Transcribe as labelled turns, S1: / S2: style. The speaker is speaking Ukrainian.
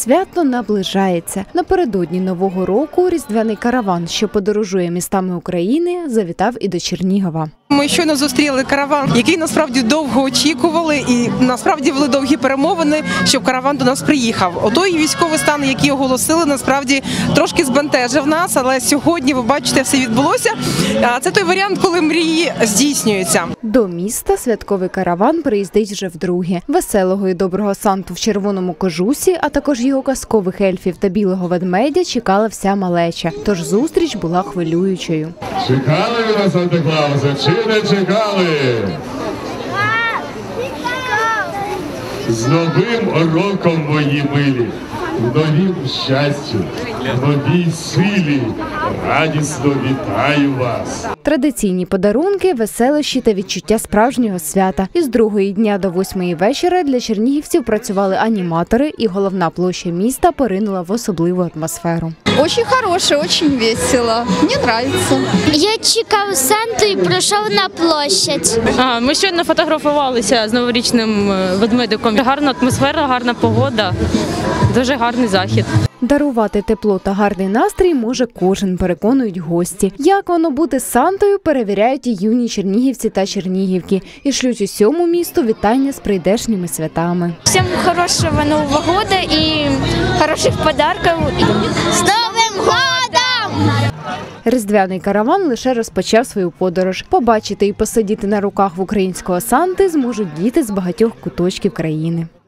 S1: свято наближається. Напередодні Нового року різдвяний караван, що подорожує містами України, завітав і до Чернігова.
S2: Ми щойно зустріли караван, який насправді довго очікували, і насправді були довгі перемовини, щоб караван до нас приїхав. Отой військовий стан, який оголосили, насправді трошки збентежив нас, але сьогодні, ви бачите, все відбулося. Це той варіант, коли мрії здійснюються.
S1: До міста святковий караван приїздить вже вдруге. Веселого і доброго Санту в червоному кожусі, а також його казкових ельфів та білого ведмедя чекала вся малеча. Тож зустріч була хвилюючою.
S3: Чекали ви на Санта-Клауса чи не чекали? З Новим роком, мої милі! В новім щастю, в новій силі. Радісно вітаю вас!
S1: Традиційні подарунки, веселощі та відчуття справжнього свята. Із 2-ї дня до 8-ї вечора для чернігівців працювали аніматори, і головна площа міста поринула в особливу атмосферу.
S4: Очень хороше, очень весело. Мені подобається.
S5: Я чекав Санту і прийшов на площадь.
S6: Ми щойно фотографувалися з новорічним ведмедиком. Гарна атмосфера, гарна погода, дуже гарний захід.
S1: Дарувати тепло та гарний настрій може кожен, переконують гості. Як воно бути Сантою, перевіряють і юні чернігівці та чернігівки. І шлють усьому місту вітання з прийдешніми святами.
S5: Всім хорошого Нового року і хороших подарунків. З Новим годом!
S1: Різдвяний караван лише розпочав свою подорож. Побачити і посидіти на руках в українського Санти зможуть діти з багатьох куточків країни.